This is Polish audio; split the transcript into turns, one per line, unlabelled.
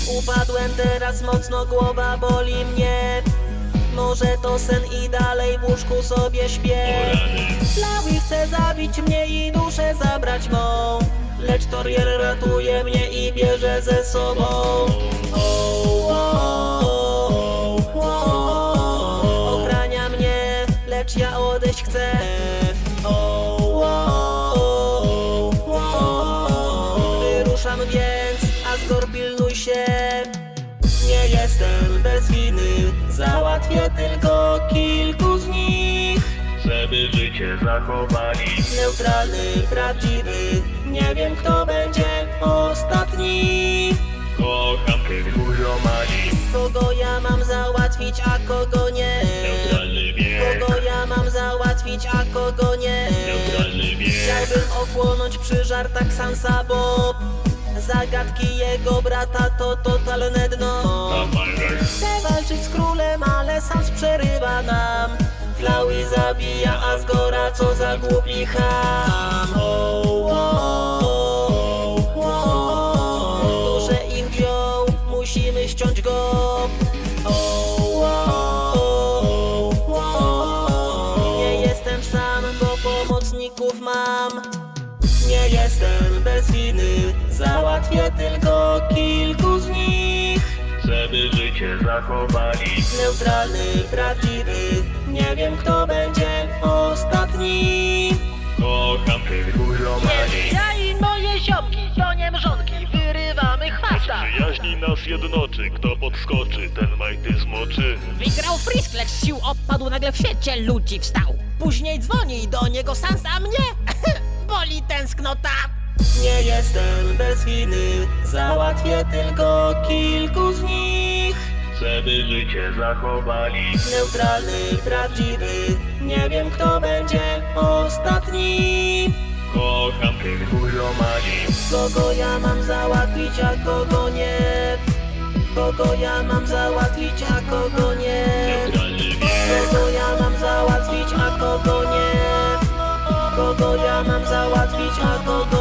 Upadłem teraz mocno, głowa boli mnie. Może to sen i dalej w łóżku sobie śpię. Flowey chce zabić mnie i duszę zabrać mą, lecz Toriel ratuje mnie i bierze ze sobą. Ochrania mnie, lecz ja odejść chcę. Wyruszam więc, Asgore pilnuj się. Nie jestem bez winy, załatwię tylko kilku z nich,
żeby życie zachowali.
Neutralny, prawdziwy, nie wiem kto będzie ostatni.
Kocham tych buziomani.
Kogo ja mam załatwić, a kogo nie?
Neutralny bieg.
Kogo ja mam załatwić, a kogo nie?
Neutralny bieg.
Chciałbym ochłonąć przy żartach Sansa, bo zagadki jego brata to totalne dno. Chcę walczyć z królem, ale Sans przerywa nam. Flowey zabija Asgora, co za głupi cham. Duszę ich wziął, musimy ściąć go. Nie jestem sam, bo pomocników mam. Nie jestem bez winy, załatwię tylko kilku z nich,
żeby życie zachowali.
Neutralny, prawdziwy, nie wiem kto będzie ostatni.
Kocham tych buziomani.
Ja i moje ziomki, to nie mrzonki, wyrywamy chwasta.
Przyjaźni nas jednoczy, kto podskoczy, ten majty zmoczy.
Wygrał Frisk, lecz z sił opadł, nagle w świecie ludzi wstał. Później dzwoni do niego Sans, a mnie boli tęsknota.
Nie jestem bez winy, załatwię tylko kilku z nich,
żeby życie zachowali.
Neutralny, prawdziwy, nie wiem kto będzie ostatni.
Kocham tych buziomani.
Kogo ja mam załatwić, a kogo nie? Kogo ja mam załatwić, a kogo nie?
Neutralny bieg.
Kogo ja mam załatwić, a kogo nie? Kogo ja mam załatwić, a kogo